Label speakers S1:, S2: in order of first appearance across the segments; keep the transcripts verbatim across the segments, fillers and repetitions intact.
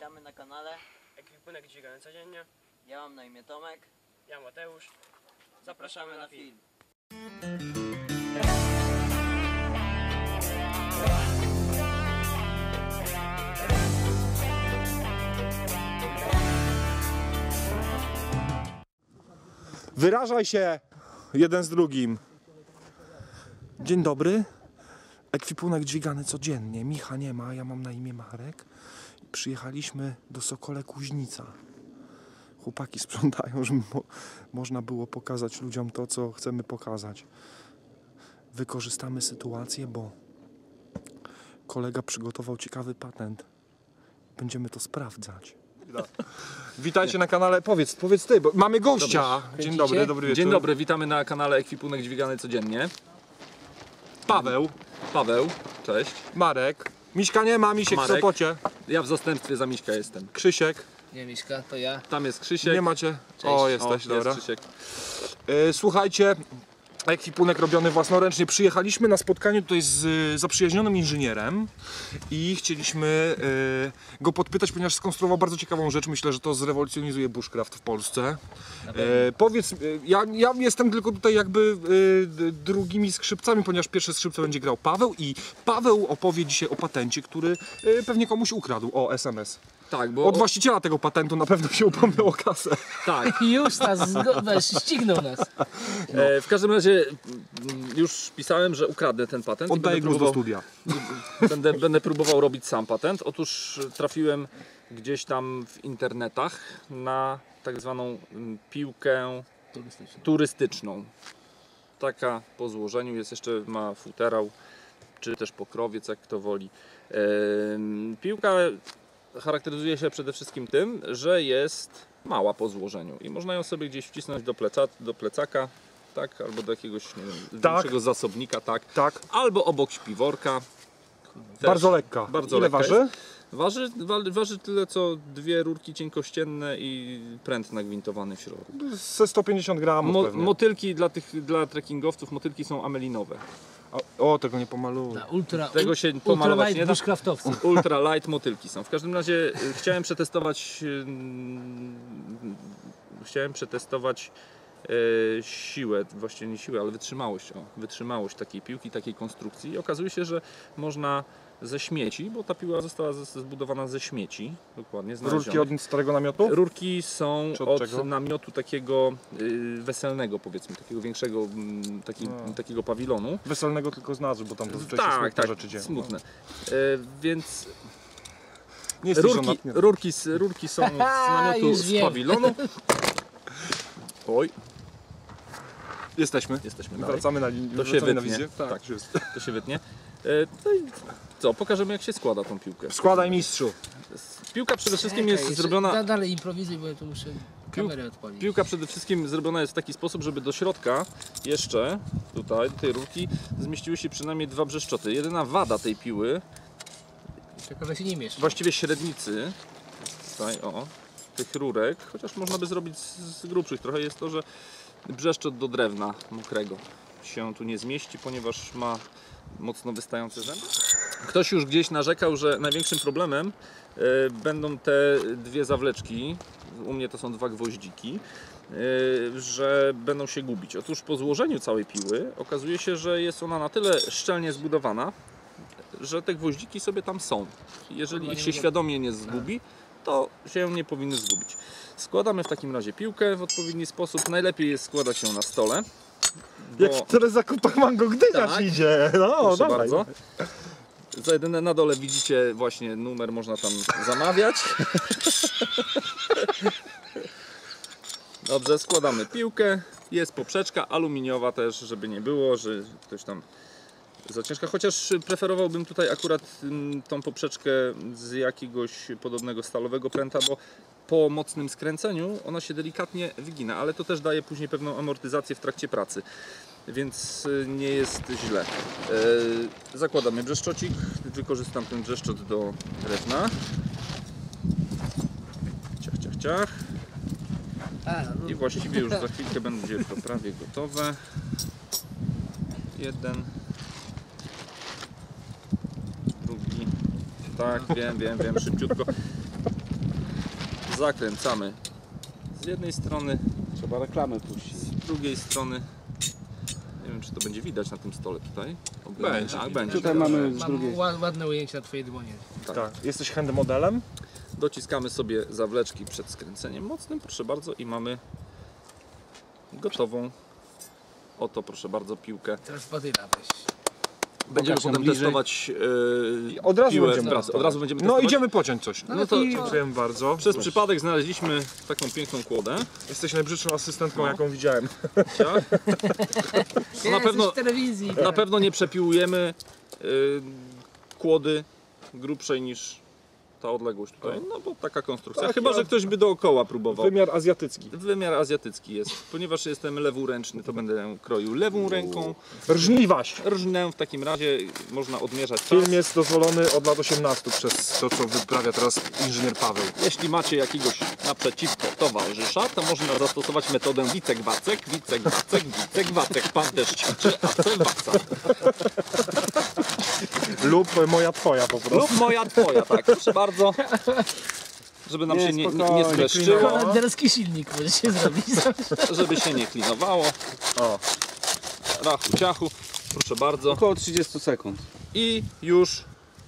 S1: Witamy na kanale
S2: Ekwipunek dźwigany codziennie.
S1: Ja mam na imię Tomek.
S2: Ja Mateusz.
S1: Zapraszamy na film.
S3: Wyrażaj się jeden z drugim. Dzień dobry. Ekwipunek dźwigany codziennie. Micha nie ma, ja mam na imię Marek. Przyjechaliśmy do Sokole Kuźnica. Chłopaki sprzątają, żeby mo można było pokazać ludziom to, co chcemy pokazać. Wykorzystamy sytuację, bo kolega przygotował ciekawy patent. Będziemy to sprawdzać. Witajcie na kanale. Powiedz, powiedz ty, bo mamy gościa. Dzień dobry, dobry wieczór.
S4: Dzień dobry, witamy na kanale Ekwipunek dźwigany codziennie.
S3: Paweł,
S4: Paweł, cześć.
S3: Marek. Miśka nie ma, Misiek w
S4: Marek.
S3: Sopocie.
S4: Ja w zastępstwie za Miśka jestem.
S3: Krzysiek.
S2: Nie Miśka, to ja.
S4: Tam jest Krzysiek.
S3: Nie macie?
S2: Cześć.
S3: O, jesteś,
S4: o,
S3: dobra.
S4: Jest Krzysiek.
S3: E, słuchajcie, ekwipunek robiony własnoręcznie. Przyjechaliśmy na spotkanie tutaj z e, zaprzyjaźnionym inżynierem i chcieliśmy e, go podpytać, ponieważ skonstruował bardzo ciekawą rzecz. Myślę, że to zrewolucjonizuje bushcraft w Polsce. E, powiedz, e, ja, ja jestem tylko tutaj jakby e, drugimi skrzypcami, ponieważ pierwsze skrzypce będzie grał Paweł i Paweł opowie dzisiaj o patencie, który e, pewnie komuś ukradł. O, S M S.
S4: Tak, bo...
S3: Od właściciela tego patentu na pewno się upomniał o kasę.
S4: Tak.
S2: Już nas weź, ścignął nas.
S4: E, w każdym razie mm, już pisałem, że ukradnę ten patent. i
S3: Oddaję
S4: będę
S3: głos do
S4: próbował-
S3: studia.
S4: Będę, będę próbował robić sam patent. Otóż trafiłem gdzieś tam w internetach na tak zwaną mm, piłkę turystyczną. Taka po złożeniu jest, jeszcze ma futerał, czy też pokrowiec, jak kto woli. Em, Piłka charakteryzuje się przede wszystkim tym, że jest mała po złożeniu i można ją sobie gdzieś wcisnąć do, pleca, do plecaka, tak, albo do jakiegoś, nie wiem,
S3: Tak.
S4: większego zasobnika, tak,
S3: Tak.
S4: albo obok śpiworka. Też
S3: Bardzo lekka.
S4: Bardzo
S3: Ile
S4: lekka
S3: waży?
S4: jest. Waży, wa, waży tyle co dwie rurki cienkościenne i pręt nagwintowany w środku.
S3: Ze sto pięćdziesiąt gramów
S4: Mo,
S3: pewnie.
S4: motylki dla tych dla trekkingowców, motylki są amelinowe.
S3: O, o, tego nie pomaluję.
S2: Na ultra,
S4: Tego się
S2: ultra
S4: pomalować
S2: light
S4: nie da.
S2: bushcraftowcy.
S4: Ultra light motylki są. W każdym razie y, chciałem przetestować y, chciałem przetestować y, siłę, właściwie nie siłę, ale wytrzymałość, o, wytrzymałość takiej piłki, takiej konstrukcji i okazuje się, że można ze śmieci, bo ta piła została z- zbudowana ze śmieci, dokładnie,
S3: Rurki
S4: znalezionych.
S3: od starego namiotu?
S4: Rurki są
S3: Czy od
S4: od,
S3: czego?
S4: namiotu takiego y, weselnego, powiedzmy, takiego większego, mm, taki,
S3: A.
S4: takiego pawilonu.
S3: Weselnego tylko z nazwy, bo tam zazwyczaj się
S4: Tak,
S3: smutne
S4: tak,
S3: rzeczy dzieją.
S4: smutne. E, więc
S3: Nie jesteś
S4: rurki,
S3: żonatny.
S4: rurki, z, rurki są z namiotu
S2: Już
S4: z
S2: wiem.
S4: pawilonu. Oj,
S3: Jesteśmy.
S4: jesteśmy dalej.
S3: Wracamy na linię.
S4: To się
S3: wracamy na
S4: wytnie.
S3: wizję. Tak,
S4: Tak.
S3: już jest.
S4: To się wytnie. E, no i co, pokażemy jak się składa tą piłkę.
S3: Składaj mistrzu.
S4: Piłka przede wszystkim
S2: Czekaj,
S4: jest
S2: jeszcze
S4: zrobiona...
S2: Da, dalej improwizuj, bo ja tu muszę kamerę odpalić.
S4: Piłka przede wszystkim zrobiona jest w taki sposób, żeby do środka jeszcze, tutaj, do tej rurki, zmieściły się przynajmniej dwa brzeszczoty. Jedyna wada tej piły,
S2: Tylko, że się nie mieszczą.
S4: właściwie średnicy, tutaj o, tych rurek, chociaż można by zrobić z, z grubszych trochę, jest to, że brzeszczot do drewna mokrego się tu nie zmieści, ponieważ ma mocno wystające zęby. Ktoś już gdzieś narzekał, że największym problemem e, będą te dwie zawleczki, u mnie to są dwa gwoździki, e, że będą się gubić. Otóż po złożeniu całej piły okazuje się, że jest ona na tyle szczelnie zbudowana, że te gwoździki sobie tam są. Jeżeli ich się świadomie nie zgubi, to się nie powinny zgubić. Składamy w takim razie piłkę w odpowiedni sposób. Najlepiej jest składać ją na stole. Bo...
S3: Jak w Teresa Kupach Mango Gdynia
S4: Tak.
S3: idzie. No,
S4: Proszę
S3: dawaj.
S4: bardzo. Za jedyne na dole widzicie właśnie numer, można tam zamawiać. Dobrze, składamy piłkę. Jest poprzeczka aluminiowa też, żeby nie było, że ktoś tam za ciężka. Chociaż preferowałbym tutaj akurat mm, tą poprzeczkę z jakiegoś podobnego stalowego pręta, bo po mocnym skręceniu ona się delikatnie wygina, ale to też daje później pewną amortyzację w trakcie pracy, więc y, nie jest źle. E, zakładamy brzeszczocik, wykorzystam ten brzeszczot do drewna. Ciach, ciach, ciach.
S2: A, no,
S4: I właściwie już za chwilkę będzie to prawie gotowe. Jeden. Drugi. Tak, wiem, wiem, wiem, szybciutko. zakręcamy z jednej strony,
S5: Trzeba reklamę puścić.
S4: z drugiej strony. Nie wiem, czy to będzie widać na tym stole tutaj. Ogólnie.
S3: Będzie
S4: Tak,
S3: widać.
S4: będzie.
S5: Tutaj mamy z
S2: Mam
S5: drugiej.
S2: ła- ładne ujęcie na twojej dłonie.
S3: Tak. Jesteś handmodelem?
S4: Dociskamy sobie zawleczki przed skręceniem mocnym, proszę bardzo, i mamy gotową. Oto, proszę bardzo, piłkę.
S2: Teraz badyla weź.
S4: Będziemy
S5: Pokaż ją
S4: potem
S5: bliżej.
S4: testować yy,
S3: Od razu
S4: piłę
S3: będziemy
S4: w pracy.
S3: testować.
S4: Od razu będziemy
S3: No
S4: testować.
S3: idziemy pociąć coś.
S4: No to
S3: Dziękujemy bardzo.
S4: przez przypadek znaleźliśmy taką piękną kłodę.
S3: Jesteś najbrzydszą asystentką,
S4: No.
S3: jaką widziałem.
S4: Tak?
S2: Nie,
S4: na pewno-
S2: jesteś w telewizji.
S4: Na pewno nie przepiłujemy yy, kłody grubszej niż ta odległość tutaj. No bo taka konstrukcja.
S3: Tak,
S4: Chyba,
S3: ja-
S4: że ktoś by dookoła próbował.
S3: Wymiar azjatycki.
S4: Wymiar azjatycki jest. Ponieważ jestem lewuręczny, to będę kroił lewą ręką.
S3: Rżniwaś.
S4: Rżnę w takim razie można odmierzać czas.
S3: Film jest dozwolony od lat osiemnastu przez to, co wyprawia teraz inżynier Paweł.
S4: Jeśli macie jakiegoś naprzeciwko towarzysza, to można zastosować metodę wicek-wacek, wicek-wacek, wicek-wacek. Pan też ćwiczy, a chce waca.
S3: Lub moja twoja po prostu.
S4: Lub moja twoja, tak. Proszę bardzo. Żeby nam
S5: Nie,
S4: się nie, nie, nie
S5: spokojnie,
S4: streszczyło,
S2: Holenderski silnik możecie zrobić.
S4: żeby się nie klinowało.
S3: O.
S4: Rachu, ciachu. Proszę bardzo.
S5: Około trzydzieści sekund.
S4: I już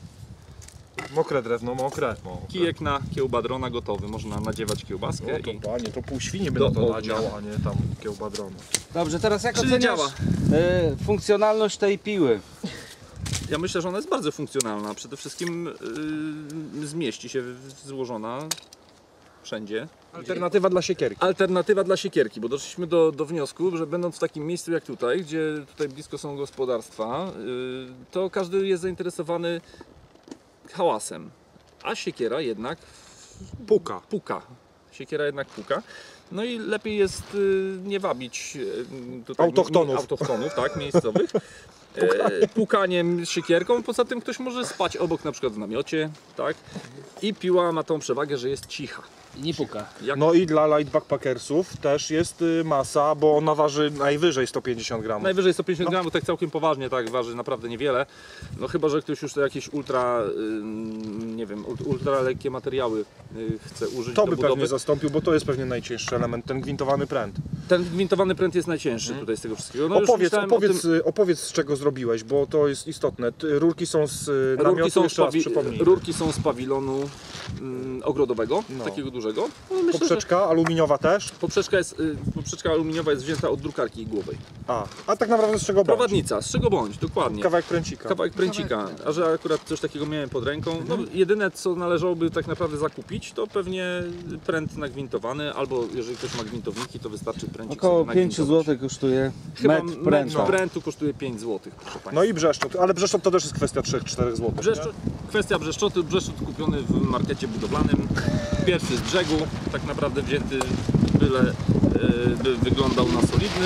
S3: Mokre drewno, mokre. mokre.
S4: kijek na kiełbadrona gotowy. Można nadziewać kiełbaskę.
S3: No to
S4: I...
S3: panie, to pół świni by
S4: Do
S3: na to
S4: ognia.
S3: nadział, a nie tam kiełbadronu.
S5: Dobrze, teraz jak
S4: Czyli
S5: oceniasz
S4: działa.
S5: y, funkcjonalność tej piły?
S4: Ja myślę, że ona jest bardzo funkcjonalna. Przede wszystkim yy, zmieści się w- złożona wszędzie.
S3: Alternatywa dla siekierki.
S4: Alternatywa dla siekierki, bo doszliśmy do, do wniosku, że będąc w takim miejscu jak tutaj, gdzie tutaj blisko są gospodarstwa, yy, to każdy jest zainteresowany hałasem, a siekiera jednak
S3: Puka.
S4: puka. Siekiera jednak puka. No i lepiej jest y, nie wabić y, tutaj
S3: Autochtonów.
S4: mi- autochtonów, tak, miejscowych. E, pukaniem siekierką, poza tym ktoś może spać obok, na przykład w namiocie, tak? I piła ma tą przewagę, że jest cicha.
S2: I nie puka.
S4: Jak
S3: No i dla light backpackersów też jest y, masa, bo ona waży najwyżej sto pięćdziesiąt gramów.
S4: najwyżej sto pięćdziesiąt gramów, tak całkiem poważnie, tak, waży naprawdę niewiele. No chyba, że ktoś już to jakieś ultra, y, nie wiem, ult- ultra lekkie materiały y, chce użyć
S3: To
S4: do
S3: by
S4: budowy.
S3: pewnie zastąpił, bo to jest pewnie najcięższy element, ten gwintowany pręt.
S4: Ten gwintowany pręt jest najcięższy tutaj z tego wszystkiego. No już
S3: opowiedz,
S4: myślałem o
S3: opowiedz,
S4: tym-
S3: y, opowiedz z czego zrobiłeś, bo to jest istotne. Ty- Rurki są z y, namiotu,
S4: Rurki są, z
S3: jeszcze raz
S4: pawi-
S3: przypomnij.
S4: rurki są z pawilonu mm, ogrodowego,
S3: No.
S4: takiego dużego. No, myślę, że
S3: Poprzeczka aluminiowa też.
S4: poprzeczka, jest, y, poprzeczka aluminiowa jest wzięta od drukarki igłowej.
S3: A, a tak naprawdę z czego bądź?
S4: Prowadnica, z czego bądź, dokładnie.
S3: Kawałek pręcika.
S4: Kawałek pręcika, a że akurat coś takiego miałem pod ręką, no
S3: Mhm.
S4: jedyne co należałoby tak naprawdę zakupić, to pewnie pręt nagwintowany, albo jeżeli ktoś ma gwintowniki, to wystarczy pręcik
S5: Około
S4: sobie
S5: pięć
S4: nagwintować.
S5: złotych kosztuje
S4: Chyba
S5: metr
S4: metr
S5: pręta.
S4: prętu kosztuje pięć złotych, proszę Państwa.
S3: No i brzeszczot, ale brzeszczot to też jest kwestia trzy cztery złotych.
S4: Brzeszczot, kwestia brzeszczotu, brzeszczot kupiony w markecie budowlanym, pierwszy z brzegu, tak naprawdę wzięty, byle e, by wyglądał na solidny.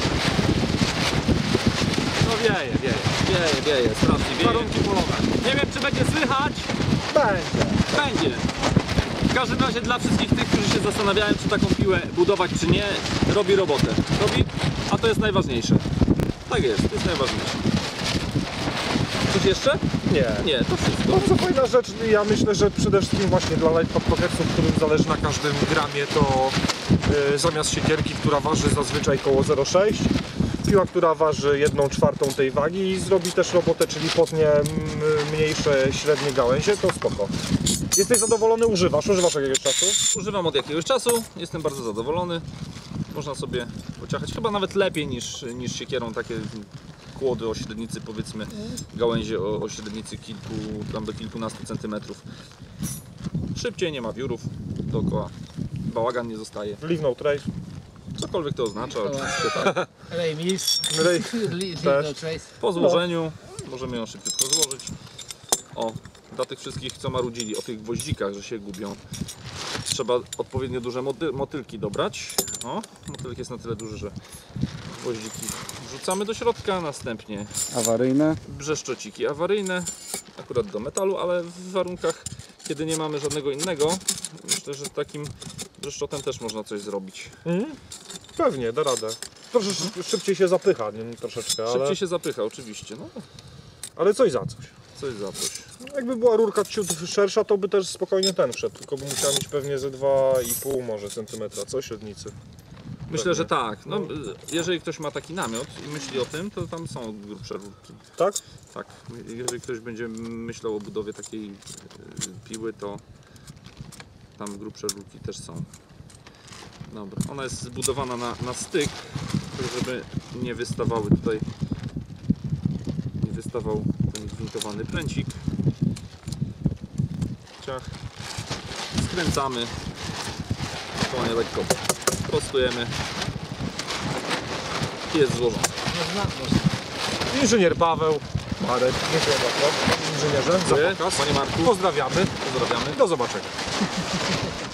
S4: No wieje, wieje, wieje, wieje, strasznie wieje. Warunki polowe. Nie wiem, czy będzie słychać.
S3: Będzie.
S4: Będzie. W każdym razie dla wszystkich tych, którzy się zastanawiają, czy taką piłę budować, czy nie, robi robotę. Robi, a to jest najważniejsze. Tak jest, to jest najważniejsze. Coś jeszcze?
S3: Nie.
S4: Nie, to wszystko.
S3: Bardzo fajna rzecz, ja myślę, że przede wszystkim właśnie dla light backpackersów, którym zależy na każdym gramie, to y, zamiast siekierki, która waży zazwyczaj koło zero przecinek sześć, piła, która waży jedną czwartą tej wagi i zrobi też robotę, czyli potnie mm, mniejsze, średnie gałęzie, to spoko. Jesteś zadowolony? Używasz? Używasz jakiegoś czasu?
S4: Używam od jakiegoś czasu, jestem bardzo zadowolony. Można sobie pociachać, chyba nawet lepiej niż, niż siekierą, takie kłody o średnicy, powiedzmy gałęzie o, o średnicy kilku, tam do kilkunastu centymetrów. Szybciej, nie ma wiórów dookoła, bałagan nie zostaje.
S3: Leave no trace.
S4: Cokolwiek to oznacza, oczywiście tak.
S2: Ray Mills.
S3: Ray
S2: Leave
S3: też.
S2: no trace.
S4: Po złożeniu możemy ją szybciutko złożyć. O, dla tych wszystkich, co marudzili o tych gwoździkach, że się gubią, trzeba odpowiednio duże moty motylki dobrać. O, motylek jest na tyle duży, że gwoździki wrzucamy do środka, następnie
S5: Awaryjne.
S4: brzeszczociki awaryjne, akurat do metalu, ale w warunkach, kiedy nie mamy żadnego innego, myślę, że takim brzeszczotem też można coś zrobić.
S3: Mhm. Pewnie, da radę. Trosze szybciej się zapycha, nie? Troszeczkę, ale,
S4: Szybciej się zapycha, oczywiście, no
S3: ale coś za coś.
S4: coś za coś. No,
S3: Jakby była rurka ciut szersza, to by też spokojnie ten wszedł, tylko by musiała mieć pewnie ze dwa i pół może centymetra, co średnicy.
S4: Myślę, że tak. No, jeżeli ktoś ma taki namiot i myśli o tym, to tam są grubsze rurki.
S3: Tak?
S4: Tak. Jeżeli ktoś będzie myślał o budowie takiej y, piły, to tam grubsze rurki też są. Dobra. Ona jest zbudowana na, na styk, żeby nie wystawały tutaj, nie wystawał ten gwintowany pręcik. Ciach. Skręcamy. Spokojnie, lekko prostujemy. I jest złożone.
S3: Inżynier Paweł, Marek, dziękuję bardzo. Inżynierze, za
S4: Dziękuję.
S3: pokaz.
S4: Panie Marku,
S3: Pozdrawiamy.
S4: pozdrawiamy.
S3: Do zobaczenia.